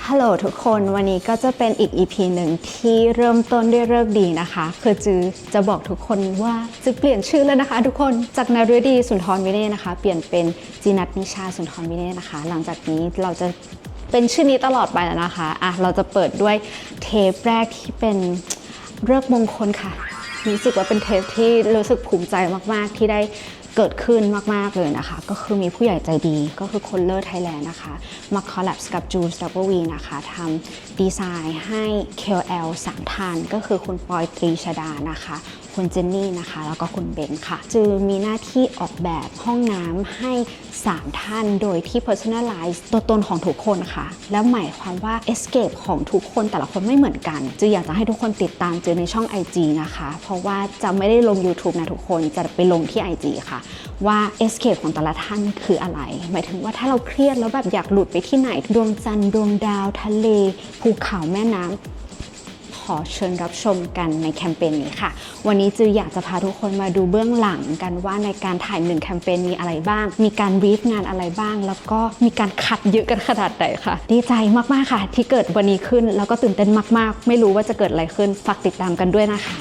ฮัลโหลทุกคนวันนี้ก็จะเป็นอีก EP หนึ่งที่เริ่มต้นด้วยฤกษ์ดีนะคะคือจือจะบอกทุกคนว่าจะเปลี่ยนชื่อแล้วนะคะทุกคนจากนฤดีสุนทรวิเนศนะคะเปลี่ยนเป็นจีนัทนิชาสุนทรวิเนศนะคะหลังจากนี้เราจะเป็นชื่อนี้ตลอดไปแล้วนะคะเราจะเปิดด้วยเทปแรกที่เป็นฤกษ์มงคลค่ะรู้สึกว่าเป็นเทปที่รู้สึกภูมิใจมากๆที่ได้เกิดขึ้นมากๆเลยนะคะก็คือมีผู้ใหญ่ใจดีก็คือคนเลอร์ไทยแลนด์นะคะมาคอลแลบกับจูส W นะคะทำดีไซน์ให้ KOL 3 ท่านก็คือคุณปอยตรีชดานะคะคุณเจนนี่นะคะแล้วก็คุณเบนค่ะจือมีหน้าที่ออกแบบห้องน้ำให้3 ท่านโดยที่ personalize ตัวตนของทุกคนค่ะแล้วหมายความว่า escape ของทุกคนแต่ละคนไม่เหมือนกันจืออยากจะให้ทุกคนติดตามจือในช่อง IG นะคะเพราะว่าจะไม่ได้ลง YouTube นะทุกคนจะไปลงที่ IG ค่ะว่า escape ของแต่ละท่านคืออะไรหมายถึงว่าถ้าเราเครียดแล้วแบบอยากหลุดไปที่ไหนดวงจันทร์ดวงดาวทะเลภูเขาแม่น้ำขอเชิญรับชมกันในแคมเปญนี้ค่ะวันนี้จืออยากจะพาทุกคนมาดูเบื้องหลังกันว่าในการถ่าย1 แคมเปญมีอะไรบ้างมีการบรีฟงานอะไรบ้างแล้วก็มีการคัดเยอะกันขนาดไหนค่ะดีใจมากๆค่ะที่เกิดวันนี้ขึ้นแล้วก็ตื่นเต้นมากๆไม่รู้ว่าจะเกิดอะไรขึ้นฝากติดตามกันด้วยนะคะ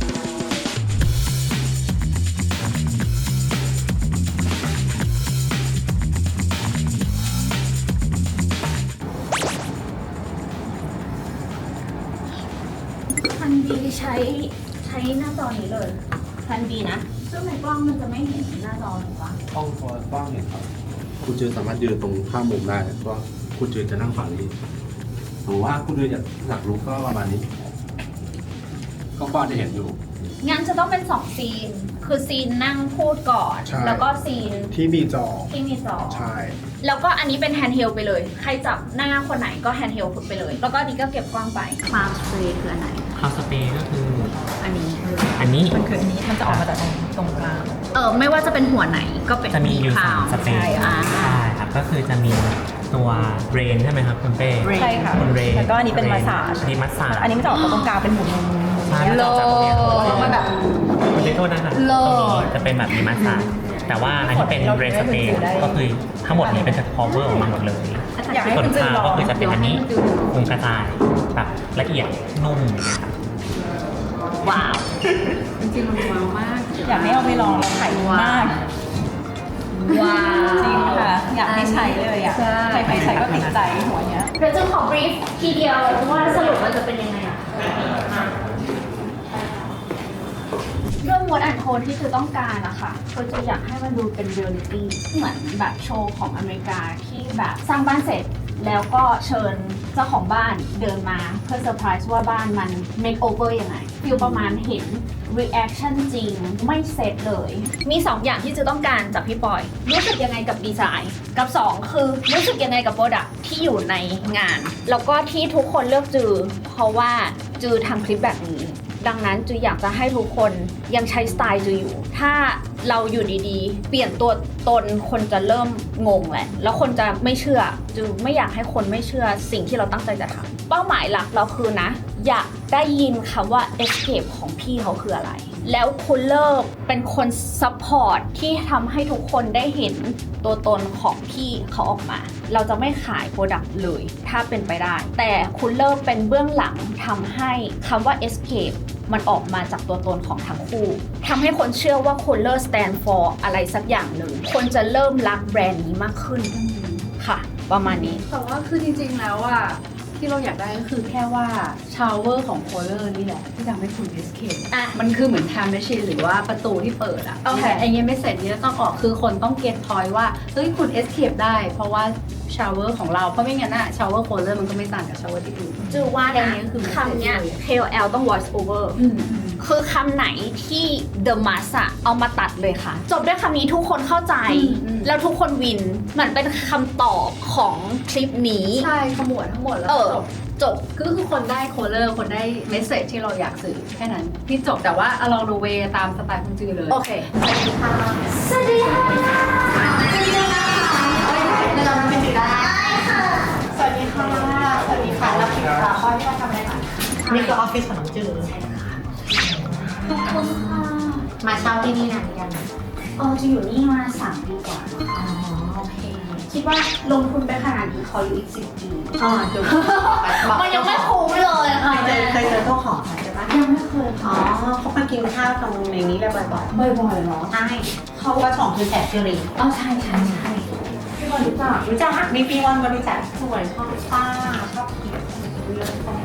ทันดีใช้หน้าจอนี้เลยทันดีนะซึ่งในกล้องมันจะไม่เห็นหน้าจอถูกปะกล้องเห็นครับคุณจือสามารถยืนตรงข้ามมุมได้เพราะคุณจือจะนั่งฝั่งนี้หรือว่าคุณจืออยากรู้ก็ประมาณนี้ก็จะเห็นอยู่งั้นจะต้องเป็น2 ซีนคือซีนนั่งพูดก่อนใช่แล้วก็ซีนที่มีจอที่มีจอใช่แล้วก็อันนี้เป็นแฮนด์เฮลไปเลยใครจับหน้าคนไหนก็แฮนด์เฮลไปเลยแล้วก็อันนี้ก็เก็บกล้องไปคลาวด์สเปรย์คืออันไหนคาวสเปรย์ก็คืออันนี้อันนี้มันคืออันนี้มันจะออกมาจากตรงกลางไม่ว่าจะเป็นหัวไหนก็เป็นจะมีอยู่คลาวด์ 3 สเปรย์ใช่ครับก็คือจะมีตัวเรนใช่ไหมครับคุณเป้ใช่ค่ะคุณเรนแล้วก็อันนี้เป็นมาสซาจอันนี้มัสซาจอันนี้มันจะออกมาตรงกลางเป็นหมุนใช่มันจะออกจากตรงเนี้ยแล้วมันแบบคุณเป้โทษนะคะตรงนี้จะเป็นแบบมีมัสซาจแต่ว่าอันที่เป็นเรนสเปรย์ก็คือทั้งหมดนี้เป็นจะ cover ออกมาหมดเลยอยากให้ส่วนคุณจือคาวลองก็คือจะเป็นอันนี้คุมกระจายแบบละเอียดนุ่มอย่างเงี้ยครับว้าวอยากให้เอาไปลองเราขายดีมากว้าวจริงค่ะ อยากให้ใช้เลยอ่ะใครใช้ก็ติดใจหัวเนี้ยเดี๋ยวจะขอบรีฟทีเดียวว่าสรุปมันจะเป็นยังไงอะเรื่องมวลแอนโทนที่คือต้องการอะค่ะคือจะอยากให้มันดูเป็นเรียลลิตี้เหมือนแบบโชว์ของอเมริกาที่แบบสร้างบ้านเสร็จ แล้วก็เชิญเจ้าของบ้านเดินมาเพื่อเซอร์ไพรส์ว่าบ้านมัน make over ยังไงฟิลประมาณเห็น reaction จริงไม่เซตเลย มี 2 อย่างที่จะต้องการจากพี่ปอย รู้สึกยังไงกับดีไซน์กับ 2 คือรู้สึกยังไงกับโปรดักที่อยู่ในงาน แล้วก็ที่ทุกคนเลือกจือ เพราะว่าจือทำคลิปแบบนี้ ดังนั้นจืออยากจะให้ทุกคนยังใช้สไตล์จืออยู่ ถ้าเราอยู่ดีๆ เปลี่ยนตัวตนคนจะเริ่มงงแหละ แล้วคนจะไม่เชื่อจือไม่อยากให้คนไม่เชื่อสิ่งที่เราตั้งใจจะทำเป้าหมายหลักเราคือนะ อยากได้ยินคำว่า escape ของพี่เขาคืออะไร แล้วคุณเลิกเป็นคนซัพพอร์ตที่ทำให้ทุกคนได้เห็นตัวตนของพี่เขาออกมา เราจะไม่ขายโปรดักต์เลย ถ้าเป็นไปได้ แต่คุณเลิกเป็นเบื้องหลังทำให้คำว่า escape มันออกมาจากตัวตนของทั้งคู่ทำให้คนเชื่อว่าคนเลิก stand for อะไรสักอย่างหนึ่งคนจะเริ่มรักแบรนด์นี้มากขึ้นค่ะ ประมาณนี้แต่ว่าคือจริงๆแล้วอะที่เราอยากได้ก็คือแค่ว่าชาวเวอร์ของโคเลอร์นี่แหละที่ทำให้คุณ escape อ่ะมันคือเหมือน time machine หรือว่าประตูที่เปิดอะโอเคไอ้เงี้ยไม่เสร็จนี่จะต้องออกคือคนต้อง get point ว่าเฮ้ยคุณ escape ได้ เพราะว่าชาวเวอร์ของเราเพราะไม่งั้นอะชาวเวอร์โคเลอร์มันก็ไม่ต่างกับชาวเวอร์ที่อื่นจือว่าแค่นะนี้คือคำเนี้ย KOL ต้อง voice over คือคำไหนที่ The Mass อะเอามาตัดเลยค่ะ จบด้วยคำนี้ทุกคนเข้าใจ แล้วทุกคนวินเหมือนเป็นคำตอบของคลิปนี้ใช่ขมวดทั้งหมดแล้วจบจบคือคนได้โคเลอร์คนได้เมสเซจที่เราอยากสื่อแค่นั้นที่จบแต่ว่าลองดูเวตามสไตล์คุณจือเลยโอเค สวัสดีค่ะ สวัสดีค่ะเราเป็นจือได้ค่ะสวัสดีค่ะ สวัสดีค่ะรับผิดชอบข้อที่เราทำอะไรคะนี่คือออฟฟิศของน้องจือขอบคุณค่ะมาเช่าที่นี่นานหรือยังจะอยู่นี่มา3 ปีกว่าอ๋อ โอเคคิดว่าลงทุนไปขนาดนี้ขออยู่อีก10 ปีดูมันยังไม่คุ้มเลยค่ะเคยเจอเจ้าของใช่ปะยังไม่เคยอ๋อเขามากินข้าวตรงในนี้เลยบ่อยบ่อยๆเนาะๆใช่เขาว่าสองคือแสบซิริอ๋อใช่พี่บอลรู้จักรู้จักมีปีวันบริจาคสวยชอบป้าชอบกินเรื่องของ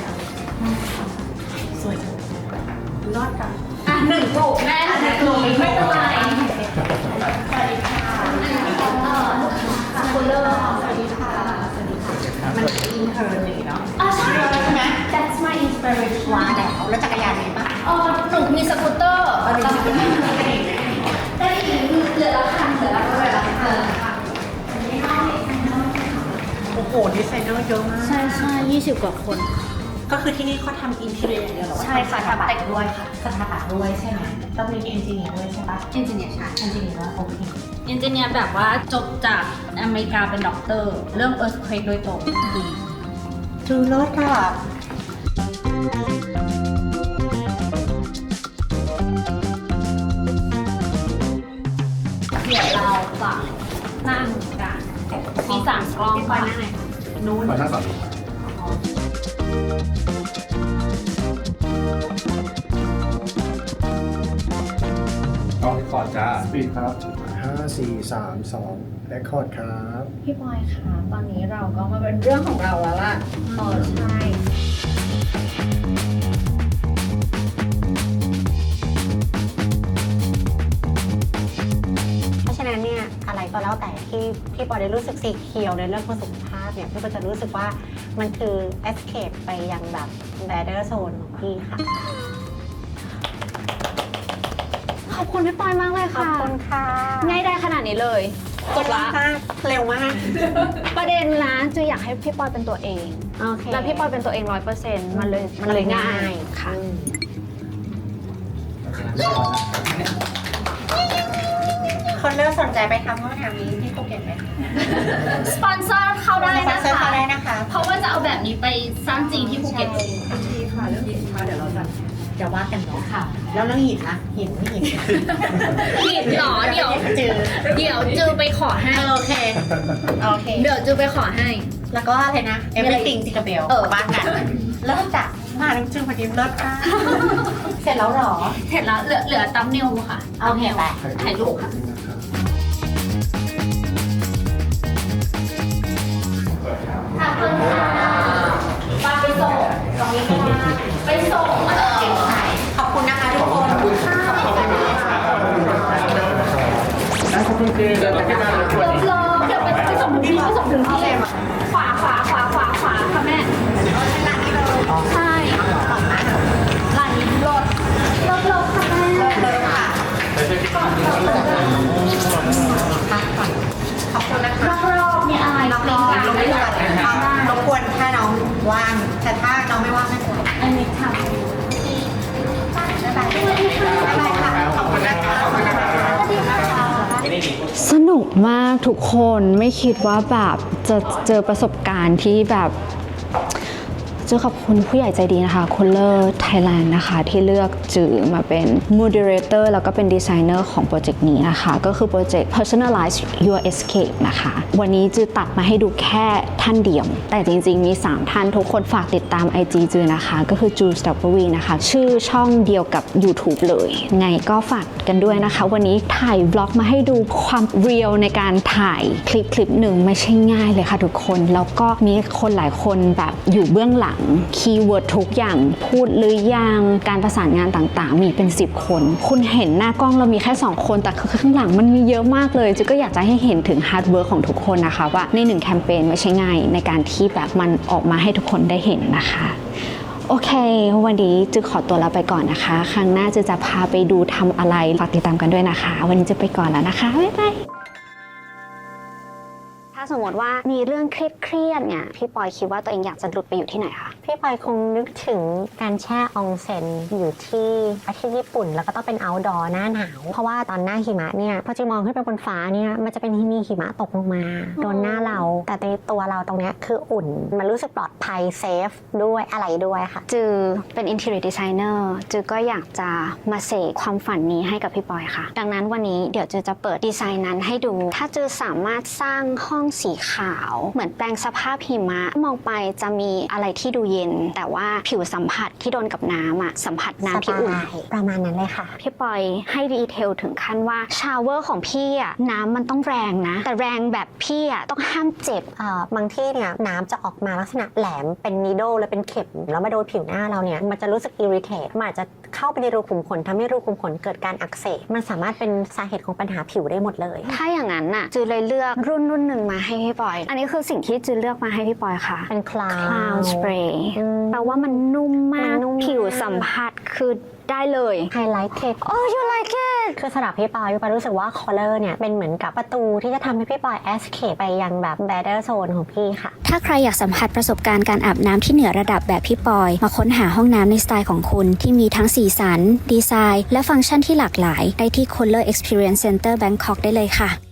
สวยจังรอดกันอ่ะ1 ถูกแม่1 ถูกไม่เป็นไรสวัสดีค่ะคุณเลอร์สวัสดีค่ะมันอินเทอร์เลยเนาะอ๋อใช่ใช่ไหม That's my inspiration ว้าแล้วจักรยานมีปะหนูมีสกูตเตอร์ได้อีกเหลือละคันโอ้โหดีไซเนอร์เยอะมากใช่20 กว่าคนก็คือที่นี่เขาทำอินเทอร์เน็ตอย่างเดียวหรอใช่ค่ะทำแต่งด้วยค่ะสถาปัตย์ด้วยใช่ไหมต้องมีเอนจิเนียร์ด้วยใช่ปะเอนจิเนียร์ใช่เอนจิเนียร์ว่าโอเคเอนจิเนียร์แบบว่าจบจากอเมริกาเป็นด็อกเตอร์ เรื่อง earthquake โดยตรงดีจูรถค่ะเดี๋ยวเราจะนั่งกันมี3 กล้องค่ะนู้นขอนั่งก่อนกล้องก่อนจ้าปิดครับ 5 4 3 2 และคอร์ดครับพี่บอยคะตอนนี้เราก็มาเป็นเรื่องของเราแล้วล่ะใช่เพราะฉะนั้นเนี่ยอะไรก็แล้วแต่ที่พี่ปอได้รู้สึกสีเขียวในเรื่องของสุขภาพเนี่ยพี่ก็จะรู้สึกว่ามันคือ escape ไปยังแบบ better zone ของพี่ค่ะขอบคุณพี่ปอยมากเลยขอบค่ะคุณค่ะง่ายได้ขนาดนี้เลยจบละมากเร็วมากประเด็นนะจูอยากให้พี่ปอยเป็นตัวเองโอเคแล้วพี่ปอยเป็นตัวเอง100%มันเลยง่ายค่ะคนเริ่มสนใจไปทำห้องน้ำนี้ที่ภูเก็ตไหมคะสปอนเซอร์เข้าได้สปอนะนเซอร์คะเข้าได้นะคะเพราะว่าจะเอาแบบนี้ไปสร้างจริงที่ภูเก็ตดีค่ะเรื่องหินค่ะเดี๋ยวเราจะว่ากันเนาะค่ะ แล้วเรื่องหินนะหินไม่หินผิดเหรอเดี๋ยวจือไปขอให้โอเคโอเคเดี๋ยวจือไปขอให้แล้วก็อะไรนะ everything จิกาเบลบ้านกันเริ่มจากมาน้ำจิ้มพอดีเลิศค่ะเสร็จแล้วหรอเสร็จแล้วเหลือตัมเนลค่ะโอเคไปถ่ายรูปค่ะ ขอบคุณค่ะไปส่งตรงนี้ก็ได้ไปส่งขอบคุณนะคะทุกคนเดี๋ยวไปส่งถึงที่ขวาค่ะแม่ใช่ร้านนี้รถค่ะแม่เลยค่ะขอบคุณนะคะรอบๆนี่อะไรน้องเป็นการรบได้กวนรบกวนถ้าน้องว่างแต่ถ้าน้องไม่ว่างไม่เป็นไรอันนี้ทำบ๊ายบายค่ะขอบคุณนะคะขอบคุณนะคะสนุกมากทุกคนไม่คิดว่าแบบจะเจอประสบการณ์ที่แบบจือขอบคุณผู้ใหญ่ใจดีนะคะคุณเลอร์ไทยแลนด์นะคะที่เลือกจือมาเป็น moderator แล้วก็เป็นดีไซเนอร์ของโปรเจกต์นี้นะคะก็คือโปรเจกต์ personalize your escape นะคะวันนี้จือตัดมาให้ดูแค่ท่านเดียวแต่จริงๆมี3ท่านทุกคนฝากติดตาม IG จือนะคะก็คือ Jules W นะคะชื่อช่องเดียวกับ YouTube เลยไงก็ฝากกันด้วยนะคะวันนี้ถ่ายบล็อกมาให้ดูความเรียลในการถ่ายคลิปหนึ่งไม่ใช่ง่ายเลยค่ะทุกคนแล้วก็มีคนหลายคนแบบอยู่เบื้องหลังคีย์เวิร์ดทุกอย่างพูดหรือยังการประสานงานต่างๆมีเป็น10คนคุณเห็นหน้ากล้องเรามีแค่2คนแต่ข้างหลังมันมีเยอะมากเลยจือก็อยากจะให้เห็นถึงฮาร์ดเวิร์กของทุกคนนะคะว่าใน1แคมเปญไม่ใช่ง่ายในการที่แบบมันออกมาให้ทุกคนได้เห็นนะคะโอเควันนี้จือขอตัวลาไปก่อนนะคะครั้งหน้าจือจะพาไปดูทำอะไรฝากติดตามกันด้วยนะคะวันนี้จะไปก่อนแล้วนะคะบ๊ายบายถ้าสมมติว่ามีเรื่องเครียดๆเนี่ยพี่ปอยคิดว่าตัวเองอยากจะหลุดไปอยู่ที่ไหนคะพี่ปอยคงนึกถึงการแช่อองเซ็นอยู่ที่ประเทศญี่ปุ่น แล้วก็ต้องเป็น outdoor หน้าหนาว เพราะว่าตอนหน้าหิมะเนี่ยพอจะมองขึ้นไปบนฟ้าเนี่ยมันจะเป็นมีหิมะตกลงมาโดนหน้าเรา แต่ในตัวเราตรงเนี้ยคืออุ่นมันรู้สึกปลอดภัยเซฟด้วยอะไรด้วยค่ะจือเป็น interior designer จือก็อยากจะมาเสกความฝันนี้ให้กับพี่ปอยค่ะ ดังนั้นวันนี้เดี๋ยวจือจะเปิดดีไซน์นั้นให้ดู ถ้าจือสามารถสร้างห้องสีขาวเหมือนแปลงสภาพหิมะมองไปจะมีอะไรที่ดูเย็น แต่ว่าผิวสัมผัสที่โดนกับน้ำอะสัมผัสน้ำที่อุ่นประมาณนั้นเลยค่ะพี่ปอยให้ดีเทลถึงขั้นว่าชาวเวอร์ของพี่อะน้ำมันต้องแรงนะ แต่แรงแบบพี่อะต้องห้ามเจ็บบางที่เนี่ยน้ำจะออกมาลักษณะแหลมเป็นนีโดลและเป็นเข็มแล้วมาโดนผิวหน้าเราเนี่ยมันจะรู้สึกอิริเทตมันอาจจะเข้าไปในรูขุมขนทำให้รูขุมขนเกิดการอักเสบมันสามารถเป็นสาเหตุของปัญหาผิวได้หมดเลยถ้าอย่างนั้นน่ะจือเลยเลือกรุ่นหนึ่งมาให้พี่ปอย อันนี้คือสิ่งที่จือเลือกมาให้พี่ปอยค่ะเป็นคลาวสเปรย์แปลว่ามันนุ่มมากผิวสัมผัสคือได้เลยไฮไลท์เทค Oh you like it คือสำหรับพี่ปอยรู้สึกว่าคอลเลอร์เนี่ยเป็นเหมือนกับประตูที่จะทำให้พี่ปอยแอสเคปไปยังแบบ better zone ของพี่ค่ะถ้าใครอยากสัมผัสประสบการณ์การอาบน้ำที่เหนือระดับแบบพี่ปอย มาค้นหาห้องน้ำในสไตล์ของคุณที่มีทั้งสีสัน ดีไซน์ และฟังก์ชันที่หลากหลายได้ที่ Color Experience Center Bangkok ได้เลยค่ะ